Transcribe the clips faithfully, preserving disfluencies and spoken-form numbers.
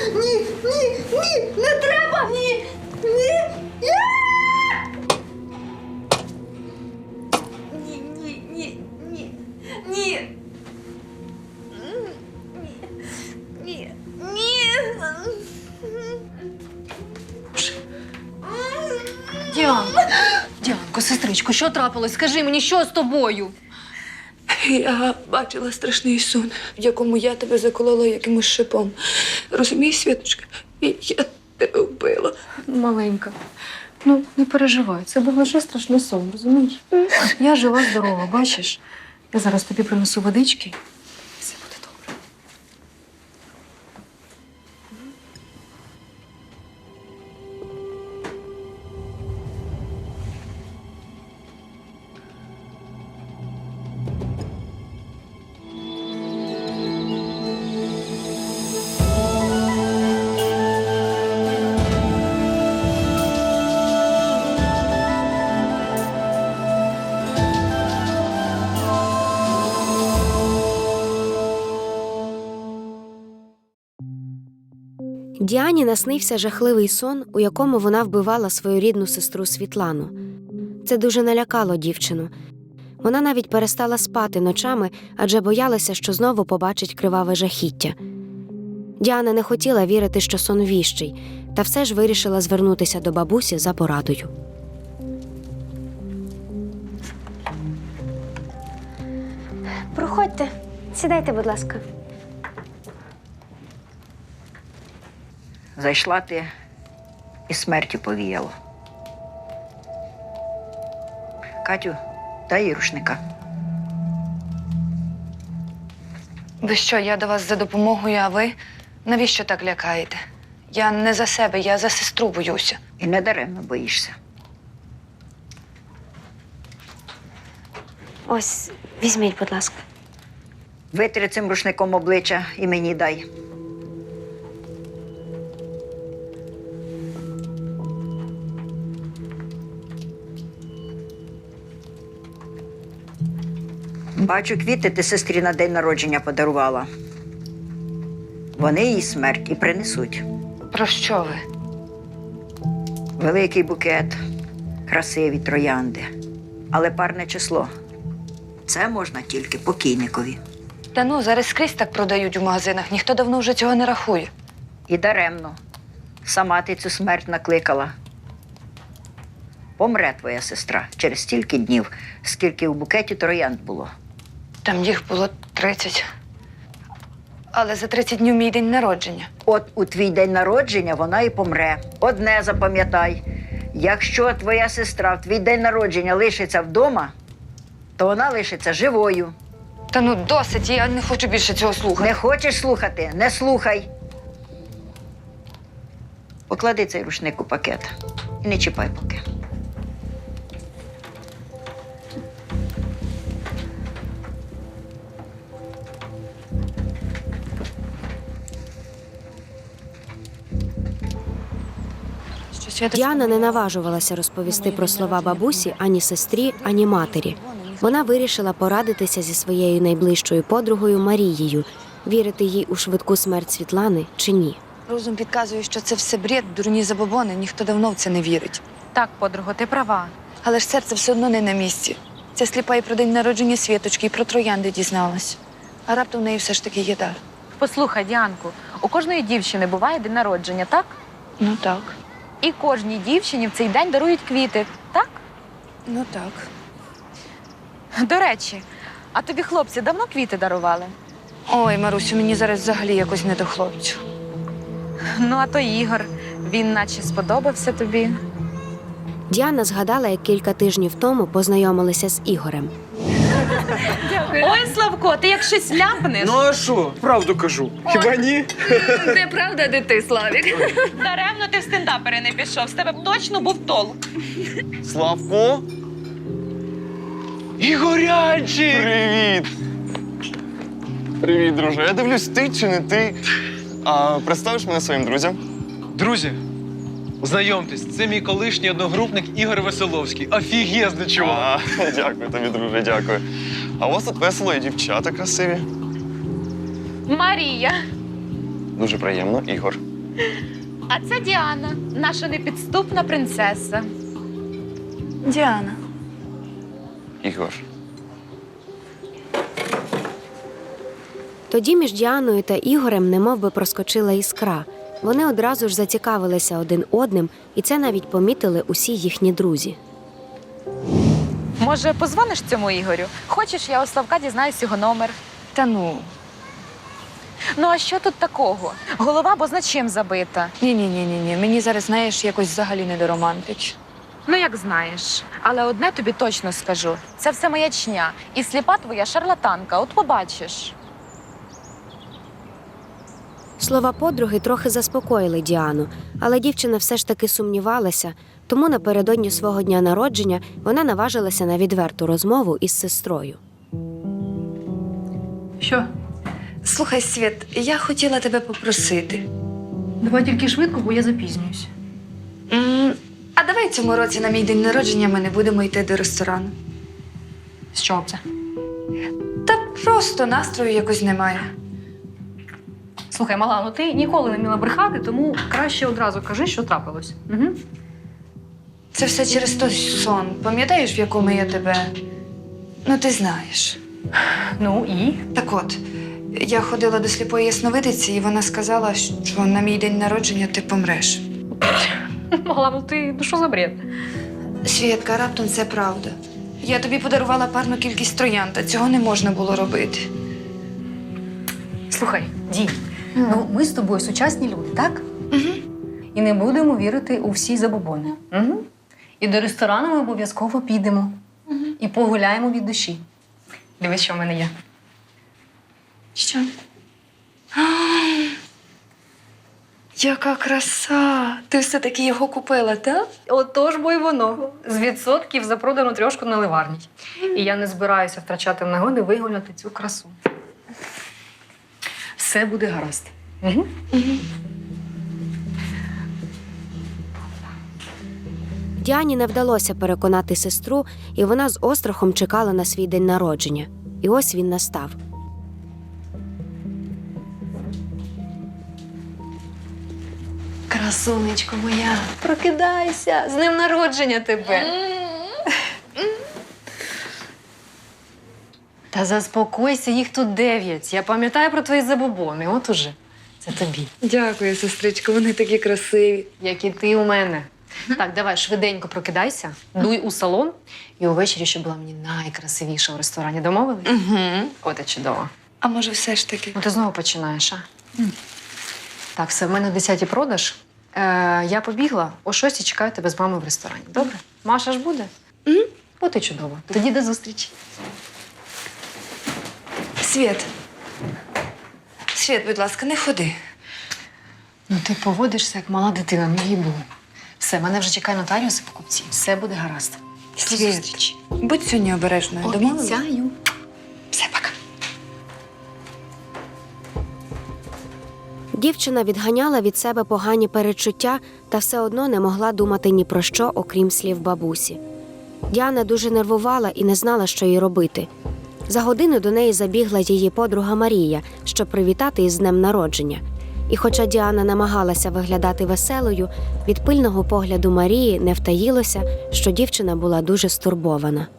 ні, ні, ні, не треба! Ні, ні, ні! Ні, ні, ні, ні, ні. Ні, ні. Діанко, Діанко, сестричко, що трапилось? Скажи мені, що з тобою? Я бачила страшний сон, в якому я тебе заколола якимось шипом. Розумієш, Світочка? І я тебе вбила. Маленька, ну не переживай, це був лише страшний сон, розумієш? Я жива, здорова, бачиш? Я зараз тобі принесу водички. Все буде добре. Діані наснився жахливий сон, у якому вона вбивала свою рідну сестру Світлану. Це дуже налякало дівчину. Вона навіть перестала спати ночами, адже боялася, що знову побачить криваве жахіття. Діана не хотіла вірити, що сон віщий, та все ж вирішила звернутися до бабусі за порадою. Проходьте. Сідайте, будь ласка. Зайшла ти і смертю повіяло. Катю, дай їй рушника. Ви що, я до вас за допомогою, а ви? Навіщо так лякаєте? Я не за себе, я за сестру боюся. І не даремно боїшся. Ось, візьміть, будь ласка. Витри цим рушником обличчя і мені дай. Бачу, квіти ти сестрі на день народження подарувала. Вони їй смерть і принесуть. Про що ви? Великий букет, красиві троянди. Але парне число. Це можна тільки покійникові. Та ну, зараз скрізь так продають у магазинах, ніхто давно вже цього не рахує. І даремно. Сама ти цю смерть накликала. Помре твоя сестра через стільки днів, скільки в букеті троянд було. Там їх було тридцять. Але за тридцять днів мій день народження. От у твій день народження вона і помре. Одне запам'ятай. Якщо твоя сестра в твій день народження лишиться вдома, то вона лишиться живою. Та ну досить, я не хочу більше цього слухати. Не хочеш слухати? Не слухай. Поклади цей рушник у пакет і не чіпай поки. Діана не наважувалася розповісти про слова бабусі ані сестрі, ані матері. Вона вирішила порадитися зі своєю найближчою подругою Марією, вірити їй у швидку смерть Світлани чи ні. Розум підказує, що це все бред, дурні забобони, ніхто давно в це не вірить. Так, подруго, ти права. Але ж серце все одно не на місці. Ця сліпа і про день народження Світочки, і про троянди дізналась. А раптом в неї все ж таки є дар. Послухай, Діанку, у кожної дівчини буває день народження, так? Ну так. І кожній дівчині в цей день дарують квіти, так? Ну так. До речі, а тобі хлопці давно квіти дарували? Ой, Марусю, мені зараз взагалі якось не до хлопців. Ну, а то Ігор, він наче сподобався тобі. Діана згадала, як кілька тижнів тому познайомилися з Ігорем. Ой, Славко, ти як щось ляпнеш. Ну а що? Правду кажу. Хіба ні? Де правда, де ти, Славік? Даремно ти в стендапери не пішов, з тебе б точно був толк. Славко? Ігорянчик! Привіт! Привіт, друже. Я дивлюсь, ти чи не ти. А представиш мене своїм друзям? Друзі, знайомтесь, це мій колишній одногрупник Ігор Веселовський. Офігезний чувак. А, дякую тобі, друже, дякую. А у вас тут весело і дівчата красиві. Марія. Дуже приємно, Ігор. А це Діана, наша непідступна принцеса. Діана. Ігор. Тоді між Діаною та Ігорем немов би проскочила іскра. Вони одразу ж зацікавилися один одним, і це навіть помітили усі їхні друзі. Може, позвониш цьому Ігорю? Хочеш, я у Славка дізнаюсь його номер. Та ну. Ну а що тут такого? Голова бо зна чим забита. Ні-ні-ні-ні. Мені зараз, знаєш, якось взагалі не до романтич. Ну, як знаєш. Але одне тобі точно скажу. Це все маячня. І сліпа твоя шарлатанка. От побачиш. Слова подруги трохи заспокоїли Діану, але дівчина все ж таки сумнівалася, тому напередодні свого дня народження вона наважилася на відверту розмову із сестрою. Що? Слухай, Світ, я хотіла тебе попросити. Давай тільки швидко, бо я запізнююсь. М, А давай цьому році на мій день народження ми не будемо йти до ресторану. З чого це? Та просто настрою якось немає. Слухай, мала, ну ти ніколи не вміла брехати, тому краще одразу кажи, що трапилось. Угу. Це все через той сон. Пам'ятаєш, в якому я тебе. Ну, ти знаєш. Ну і? Так от, я ходила до сліпої ясновидиці, і вона сказала, що на мій день народження ти помреш. Мала, ну ти, ну що за бред? Свєтка, раптом це правда. Я тобі подарувала парну кількість троянд, а цього не можна було робити. Слухай, Ді, ну ми з тобою сучасні люди, так? Угу. І не будемо вірити у всі забобони. Угу. І до ресторану ми обов'язково підемо. Угу. І погуляємо від душі. Дивись, що в мене є. Що? А, яка краса! Ти все-таки його купила, так? Отож, бо й воно. З відсотків за продану трьошку наливарні. І я не збираюся втрачати нагоди вигуляти цю красу. Все буде гаразд. Угу. Угу. Діані не вдалося переконати сестру, і вона з острахом чекала на свій день народження. І ось він настав. Красунечко моя, прокидайся! З днем народження тебе! Та заспокойся, їх тут дев'ять. Я пам'ятаю про твої забобони. От уже. Це тобі. Дякую, сестричко, вони такі красиві. Як і ти у мене. Так, давай швиденько прокидайся, дуй у салон. І увечері, щоб була мені найкрасивіша в ресторані. Домовились? Угу. От і чудово. А може, все ж таки? Ну, ти знову починаєш, а? Так, все, в мене в десятій продаж. Е, я побігла, о шостій чекаю тебе з мамою в ресторані. Добре? Маша ж буде? Угу. От і чудово. Тоді до зустрічі. Світ. Світ, будь ласка, не ходи. Ну, ти поводишся, як мала дитина, не їбу. Все, мене вже чекає нотаріус і покупці. Все буде гаразд. До Світ. зустрічі. Будь сьогодні обережною. Домовились? Обіцяю. Все, пока. Дівчина відганяла від себе погані перечуття та все одно не могла думати ні про що, окрім слів бабусі. Діана дуже нервувала і не знала, що їй робити. За годину до неї забігла її подруга Марія, щоб привітати із днем народження. І хоча Діана намагалася виглядати веселою, від пильного погляду Марії не втаїлося, що дівчина була дуже стурбована.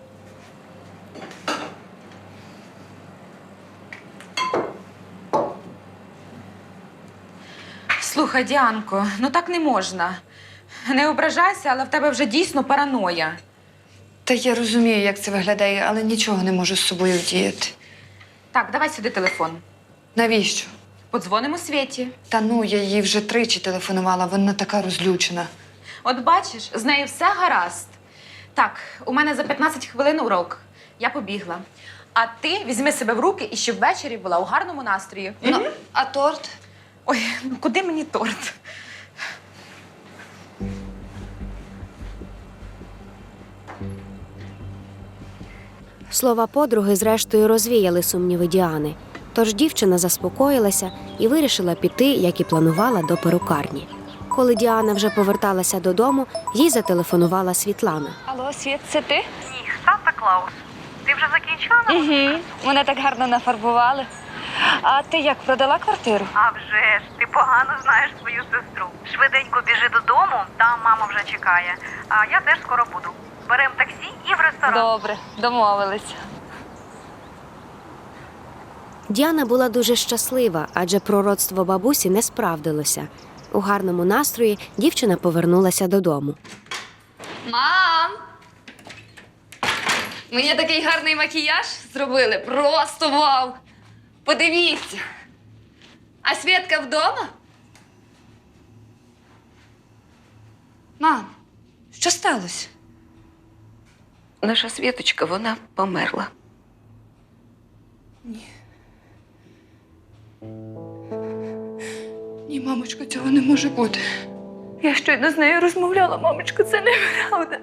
Слухай, Діанко, ну так не можна. Не ображайся, але в тебе вже дійсно параноя. Та я розумію, як це виглядає, але нічого не можу з собою вдіяти. Так, давай сюди телефон. Навіщо? Подзвонимо Світі. Та ну, я їй вже тричі телефонувала, вона така розлючена. От бачиш, з нею все гаразд. Так, у мене за п'ятнадцять хвилин урок. Я побігла. А ти візьми себе в руки і щоб ввечері була у гарному настрої. Ну, а торт? Ой, ну куди мені торт? Слова подруги зрештою розвіяли сумніви Діани. Тож дівчина заспокоїлася і вирішила піти, як і планувала, до перукарні. Коли Діана вже поверталася додому, їй зателефонувала Світлана. Алло, Світ, це ти? Ні, Санта Клаус. Ти вже закінчила? Угу. Мене так гарно нафарбували. А ти як, продала квартиру? А вже ж, ти погано знаєш свою сестру. Швиденько біжи додому, там мама вже чекає. А я теж скоро буду. Берем таксі і в ресторан. Добре, домовились. Діана була дуже щаслива, адже пророцтво бабусі не справдилося. У гарному настрої дівчина повернулася додому. Мам! Мені такий гарний макіяж зробили. Просто вау! Подивіться. А Свєтка вдома? Мам, що сталося? Наша Світочка, вона померла. Ні. Ні, мамочко, цього не може бути. Я щойно з нею розмовляла, мамочко, це неправда.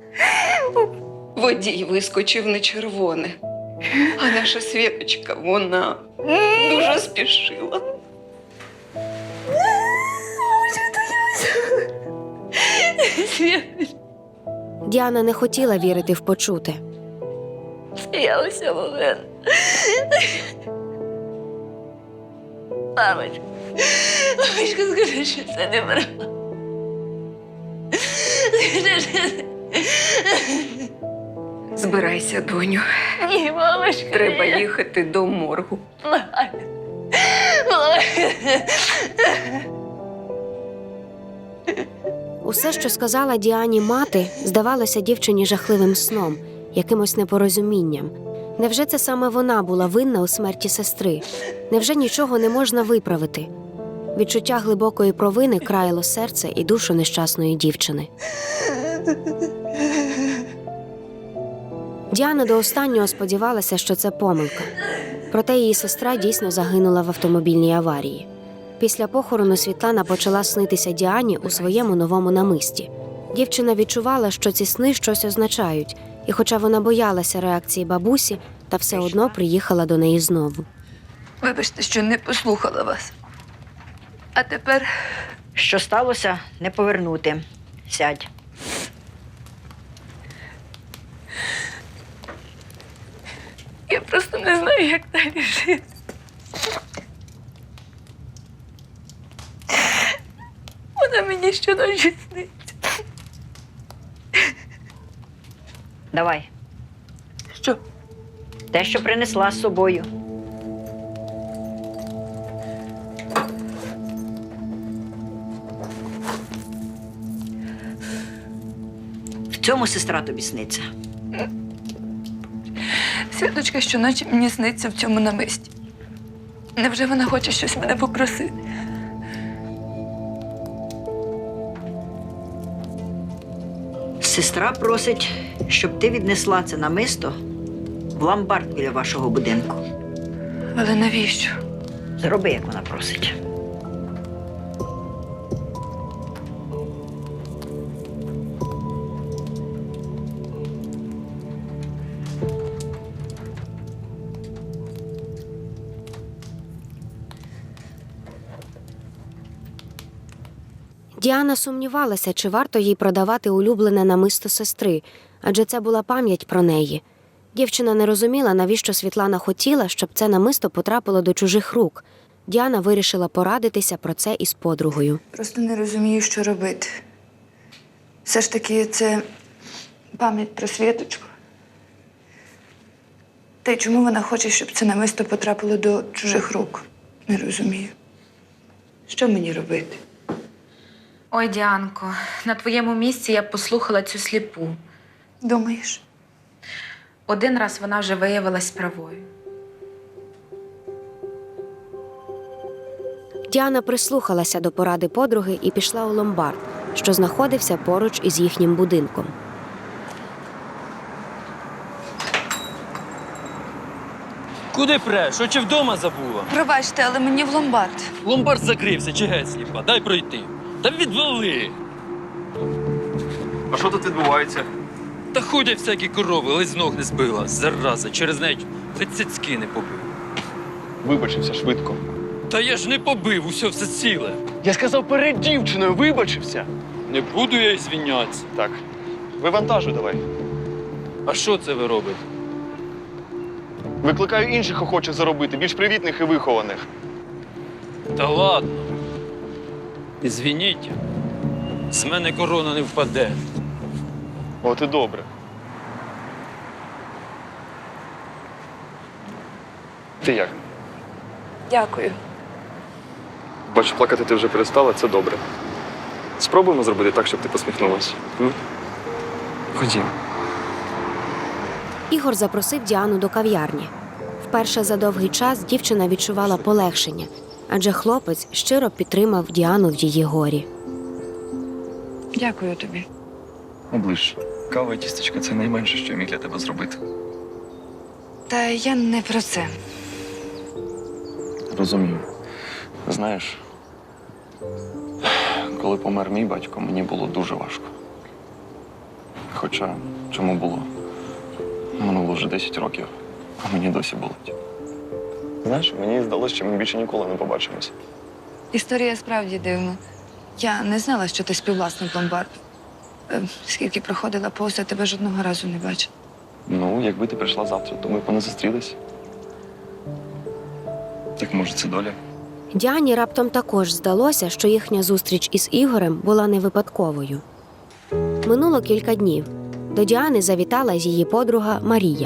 Водій вискочив на червоне. А наша Світочка, вона дуже спішила. Світочка. Діана не хотіла вірити в почуте. Сміялася Олена. Мамочка, мамочка, скажи, що це неправда. Збирайся, доню. Ні, мамочка. Треба їхати до моргу. Усе, що сказала Діані мати, здавалося дівчині жахливим сном, якимось непорозумінням. Невже це саме вона була винна у смерті сестри? Невже нічого не можна виправити? Відчуття глибокої провини країло серце і душу нещасної дівчини. Діана до останнього сподівалася, що це помилка. Проте її сестра дійсно загинула в автомобільній аварії. Після похорону Світлана почала снитися Діані у своєму новому намисті. Дівчина відчувала, що ці сни щось означають, і хоча вона боялася реакції бабусі, та все одно приїхала до неї знову. Вибачте, що не послухала вас. А тепер Що сталося, не повернути. Сядь. я просто не знаю, як далі жити. Вона мені щоночі сниться. Давай. Що? Те, що принесла з собою. В цьому сестра тобі сниться. Світочка щоночі мені сниться в цьому намисті. Невже вона хоче щось мене попросити? Сестра просить, щоб ти віднесла це намисто в ломбард біля вашого будинку. Але навіщо? Зроби, як вона просить. Діана сумнівалася, чи варто їй продавати улюблене намисто сестри, адже це була пам'ять про неї. Дівчина не розуміла, навіщо Світлана хотіла, щоб це намисто потрапило до чужих рук. Діана вирішила порадитися про це із подругою. Просто не розумію, що робити. Все ж таки, це пам'ять про Світочку. Та й чому вона хоче, щоб це намисто потрапило до чужих рук? Не розумію. Що мені робити? Ой, Діанко, на твоєму місці я б послухала цю сліпу. Думаєш? Один раз вона вже виявилась правою. Діана прислухалася до поради подруги і пішла у ломбард, що знаходився поруч із їхнім будинком. Куди преш? Що чи вдома забула? Пробачте, але мені в ломбард. Ломбард закрився, чи геть сліпа? Дай пройти. Та відвали! А що тут відбувається? Та ходять всякі корови, ледь з ног не збила. Зараза, через неї ледь цицьки не побив. Вибачився швидко. Та я ж не побив, усе все ціле. Я сказав, перед дівчиною вибачився. Не буду я й звінятися. Так. Вивантажуй давай. А що це ви робите? Викликаю інших охочих заробити, більш привітних і вихованих. Та ладно. Ізвініть, з мене корона не впаде. От і добре. Ти як? Дякую. Бачу, плакати ти вже перестала, це добре. Спробуємо зробити так, щоб ти посміхнулася. М? Ходімо. Ігор запросив Діану до кав'ярні. Вперше за довгий час дівчина відчувала полегшення, адже хлопець щиро підтримав Діану в її горі. Дякую тобі. Оближ. Кава і тістечка – це найменше, що я міг для тебе зробити. Та я не про це. Розумію. Знаєш, коли помер мій батько, мені було дуже важко. Хоча, чому було? Минуло вже десять років, а мені досі болить. Знаєш, мені здалося, що ми більше ніколи не побачимося. Історія справді дивна. Я не знала, що ти співвласник ломбарду. Е, Скільки проходила повз, я тебе жодного разу не бачила. Ну, якби ти прийшла завтра, то ми б не зустрілись. Так може, це доля? Діані раптом також здалося, що їхня зустріч із Ігорем була не випадковою. Минуло кілька днів. До Діани завітала її подруга Марія.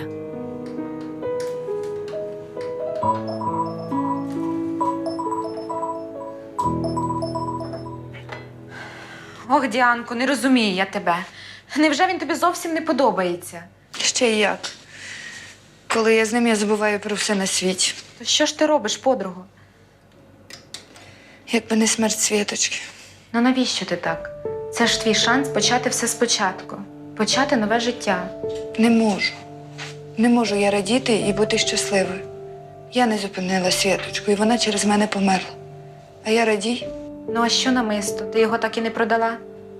Ох, Діанко, не розумію я тебе. Невже він тобі зовсім не подобається? Ще й як. Коли я з ним, я забуваю про все на світі. То що ж ти робиш, подруго? Якби не смерть Світочки. Ну навіщо ти так? Це ж твій шанс почати все спочатку. Почати нове життя. Не можу. Не можу я радіти і бути щасливою. Я не зупинила Світочку, і вона через мене померла. А я радію? Ну а що намисто? Ти його так і не продала?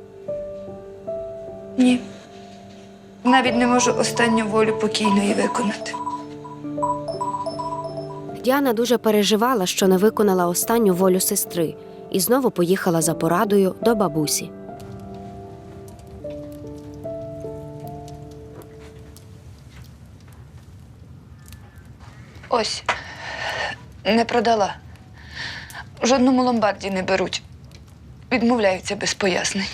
Ні. Навіть не можу останню волю покійної виконати. Діана дуже переживала, що не виконала останню волю сестри, і знову поїхала за порадою до бабусі. Ось. Не продала. В жодному ломбарді не беруть. Відмовляються без пояснень.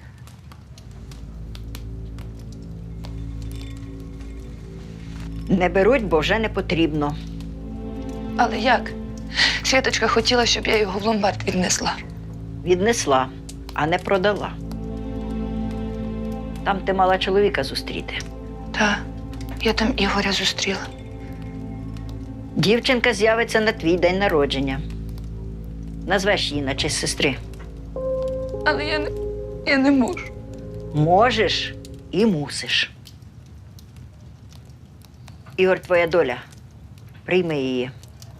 Не беруть, бо вже не потрібно. Але як? Світочка хотіла, щоб я його в ломбард віднесла. Віднесла, а не продала. Там ти мала чоловіка зустріти. Та, я там Ігоря зустріла. Дівчинка з'явиться на твій день народження. Назвеш її на честь сестри. Але я не, я не можу. Можеш і мусиш. Ігор, твоя доля. Прийми її.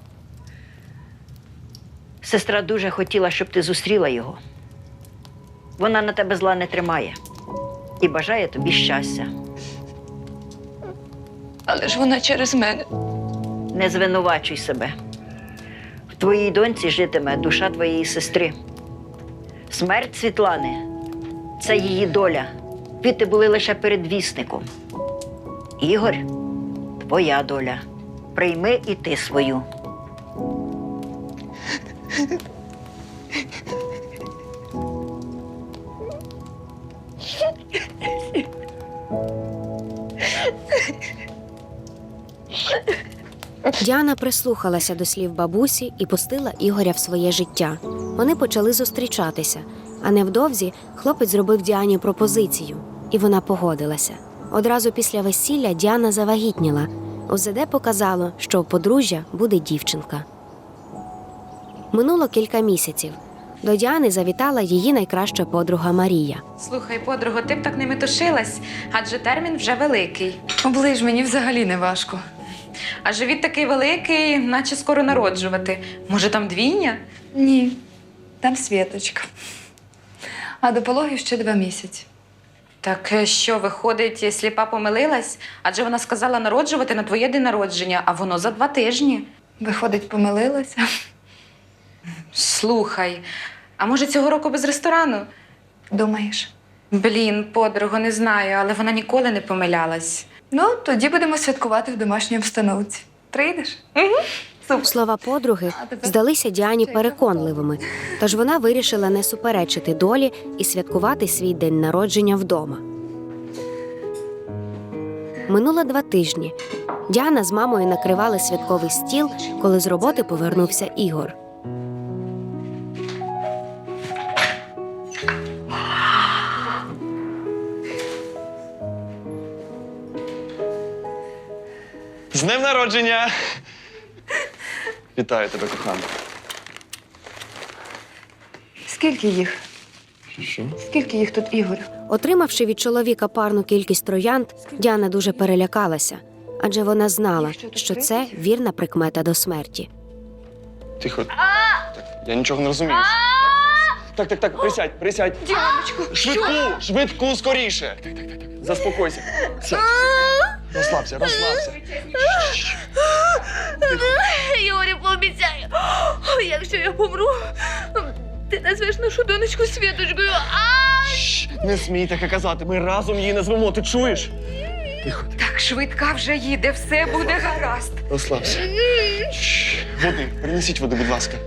Сестра дуже хотіла, щоб ти зустріла його. Вона на тебе зла не тримає і бажає тобі щастя. Але ж вона через мене. Не звинувачуй себе. В твоїй доньці житиме душа твоєї сестри. Смерть Світлани – це її доля. Квіти були лише передвісником. Ігор – твоя доля. Прийми і ти свою. Діана прислухалася до слів бабусі і пустила Ігоря в своє життя. Вони почали зустрічатися, а невдовзі хлопець зробив Діані пропозицію, і вона погодилася. Одразу після весілля Діана завагітніла. ОЗД показало, що у подружжя буде дівчинка. Минуло кілька місяців. До Діани завітала її найкраща подруга Марія. Слухай, подруго, ти б так не метушилась, адже термін вже великий. Оближ, мені взагалі не важко. А живіт такий великий, наче скоро народжувати. Може, там двійня? Ні, там Світочка. А до пологів ще два місяці. Так що, виходить, сліпа помилилась? Адже вона сказала народжувати на твоє день народження, а воно за два тижні. Виходить, помилилася. Слухай, а може цього року без ресторану? Думаєш? Блін, подруго, не знаю, але вона ніколи не помилялась. Ну, тоді будемо святкувати в домашній обстановці. Прийдеш? Слова подруги здалися Діані переконливими, тож вона вирішила не суперечити долі і святкувати свій день народження вдома. Минуло два тижні. Діана з мамою накривали святковий стіл, коли з роботи повернувся Ігор. З днем народження! Вітаю тебе, кохана. Скільки їх? Що? Скільки їх тут, Ігор? Отримавши від чоловіка парну кількість троянд, Діана дуже перелякалася, адже вона знала, що це вірна прикмета до смерті. Тихо. Так, я нічого не розумію. Так, так, так, присядь, присядь. Діаночко, Швидку, швидку, скоріше. Так, так, так, так. Заспокойся. Сядь. Розслабся, розслабся. Ігорі, пообіцяю, якщо я помру, ти назвеш нашу донечку Світочкою. Шш, не смій таке казати, ми разом її назвемо, ти чуєш? Тихо, тихо. Так, швидка вже їде, все буде гаразд. Розслабся. Шш, води, принесіть води, будь ласка.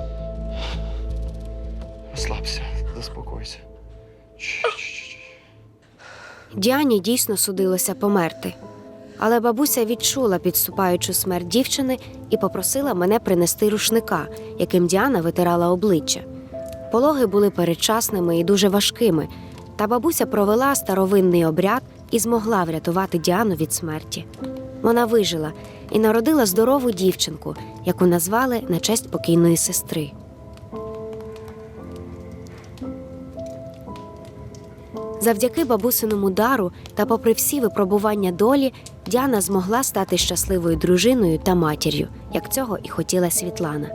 Розслабся, заспокойся. Шш, шш, шш. Діані дійсно судилося померти. Але бабуся відчула підступаючу смерть дівчини і попросила мене принести рушника, яким Діана витирала обличчя. Пологи були передчасними і дуже важкими, та бабуся провела старовинний обряд і змогла врятувати Діану від смерті. Вона вижила і народила здорову дівчинку, яку назвали на честь покійної сестри. Завдяки бабусиному дару та попри всі випробування долі, Діана змогла стати щасливою дружиною та матір'ю, як цього і хотіла Світлана.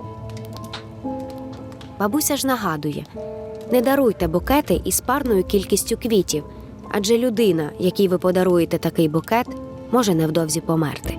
Бабуся ж нагадує: не даруйте букети із парною кількістю квітів, адже людина, якій ви подаруєте такий букет, може невдовзі померти.